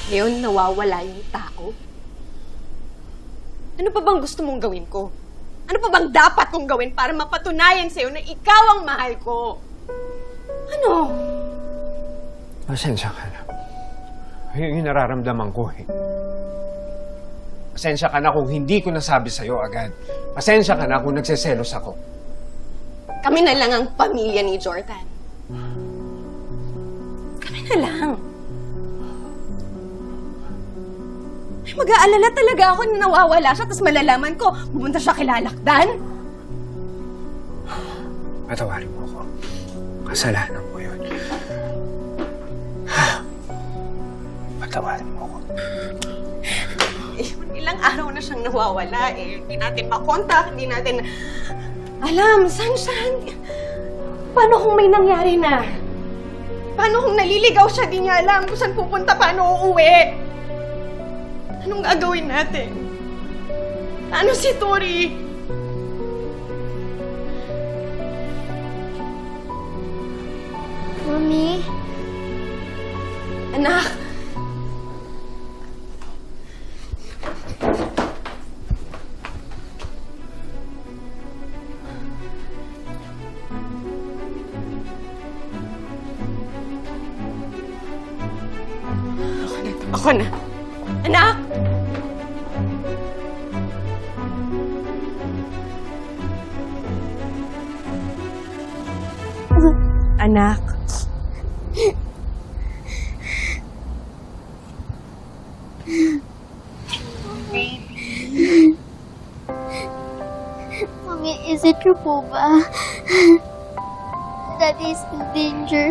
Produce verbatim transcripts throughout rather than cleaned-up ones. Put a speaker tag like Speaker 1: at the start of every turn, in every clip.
Speaker 1: Ngayon, nawawala yung tao. Ano pa bang gusto mong gawin ko? Ano pa bang dapat kong gawin para mapatunayan sa'yo na ikaw ang mahal ko? Ano?
Speaker 2: Pasensya ka na. Yun yung nararamdaman ko eh. Pasensya ka na kung hindi ko nasabi sa'yo agad. Pasensya ka na kung nagseselos ako.
Speaker 1: Kami na lang ang pamilya ni Jordan. Kami na lang. Ay, mag-aalala talaga ako na nawawala siya, tapos malalaman ko, pumunta siya kilalakdan.
Speaker 2: Patawarin mo ako. Kasalanan mo yun. Patawarin mo ako.
Speaker 1: Eh, ilang araw na siyang nawawala eh. Hindi natin makontak, hindi natin alam, saan siya? Paano kung may nangyari na? Paano kung naliligaw siya, di niya alam kung saan pupunta, paano uuwi? Anong gagawin natin? Ano si Tori?
Speaker 3: Mami?
Speaker 1: Anak! Ako na. Ako na. Anak! Anak.
Speaker 3: Mami, is it true po ba? Daddy is in danger.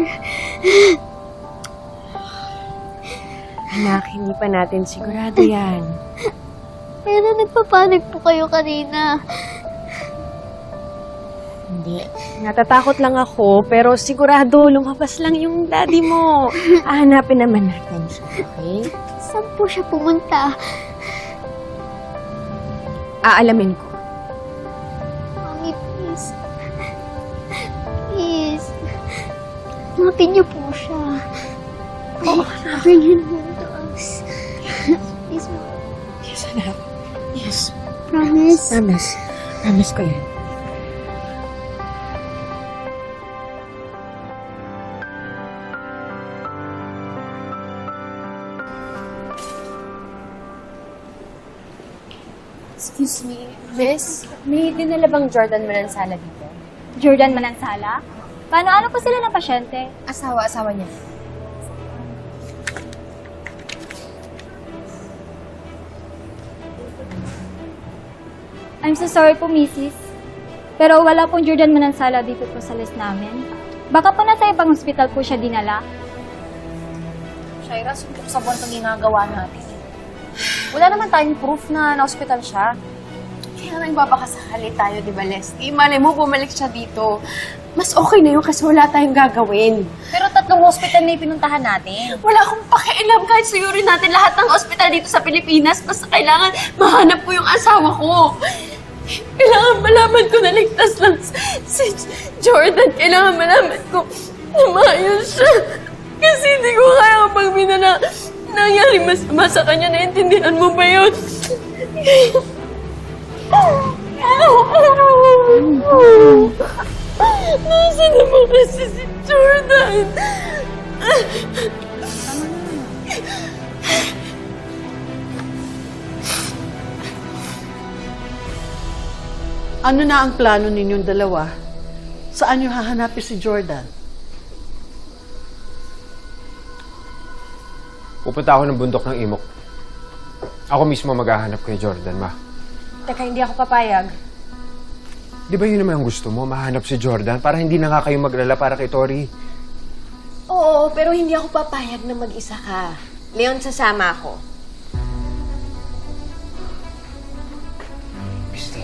Speaker 1: Anak, hindi pa natin sigurado yan.
Speaker 3: Pero nagpapanik po kayo kanina.
Speaker 1: Hindi. Natatakot lang ako, pero sigurado lumabas lang yung daddy mo. Hahanapin naman natin siya, okay?
Speaker 3: Saan po siya pumunta?
Speaker 1: Aalamin ko.
Speaker 3: Mami, please. Please. Hanapin niyo po siya.
Speaker 1: Oo,
Speaker 3: Bring him home to us. Please, Mami.
Speaker 1: yes, anak. Yes.
Speaker 3: Promise.
Speaker 1: Promise. Promise ko yan.
Speaker 4: Excuse me, miss, may dinala bang Jordan Manansala dito?
Speaker 3: Jordan Manansala? Paano, ano po sila ng pasyente?
Speaker 4: Asawa-asawa niya.
Speaker 3: I'm so sorry po, missus. Pero wala pong Jordan Manansala dito po sa list namin. Baka po nasa ibang hospital po siya dinala.
Speaker 4: Shaira, suntok sa buwan itong ginagawa natin. Wala naman tayong proof na na-hospital siya. Kaya nagbabakasakali tayo, di ba, Leslie? Malay mo, bumalik siya dito. Mas okay na yun kasi wala tayong gagawin. Pero tatlong hospital na pinuntahan natin.
Speaker 1: Wala akong pakialam kahit suyurin natin lahat ng ospital dito sa Pilipinas. Basta kailangan mahanap ko yung asawa ko. Kailangan malaman ko na ligtas lang si Jordan. Kailangan malaman ko na maayos siya. Kasi hindi ko kaya kapag binala nangyari masama sa kanya. Naintindihan mo ba yun? Nasa naman kasi si Jordan?
Speaker 5: Ano na ang plano ninyong dalawa? Saan niyo hahanapin si Jordan?
Speaker 2: Pupunta ako ng bundok ng Imok. Ako mismo maghahanap kay Jordan, ma.
Speaker 1: Teka, hindi ako papayag.
Speaker 2: Di ba yun naman ang gusto mo? Mahanap si Jordan para hindi na nga kayo maglala para kay Tori.
Speaker 1: Oo, pero hindi ako papayag na mag-isa ka. Leon, sasama ako.
Speaker 2: Misty,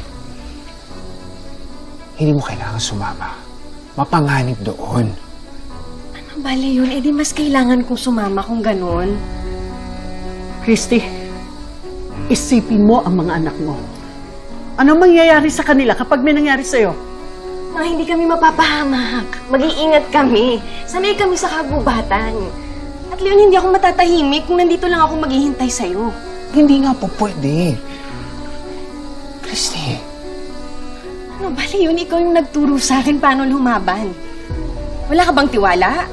Speaker 2: hindi mo kailangan sumama. Mapanganib doon.
Speaker 1: Ano bali yun? Eh di mas kailangan kong sumama kung ganun.
Speaker 5: Christy, isipin mo ang mga anak mo. Ano mangyayari sa kanila kapag may nangyari sa'yo?
Speaker 1: Ma, hindi kami mapapahamak. Mag-iingat kami. Sanay kami sa kagubatan. At Leon, hindi ako matatahimik kung nandito lang ako maghihintay sa'yo.
Speaker 2: Hindi nga po pwede. Christy.
Speaker 1: Ano ba, Leon? Ikaw yung nagturo sa akin paano lumaban. Wala ka bang tiwala?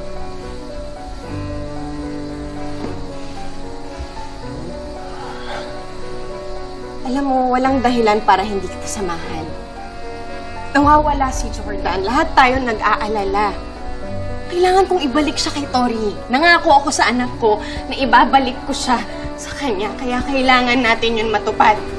Speaker 1: Alam mo, walang dahilan para hindi kita samahan. Nawawala si Jordan. Lahat tayo nag-aalala. Kailangan kong ibalik siya kay Tori. Nangako ako sa anak ko na ibabalik ko siya sa kanya. Kaya kailangan natin yun matupad.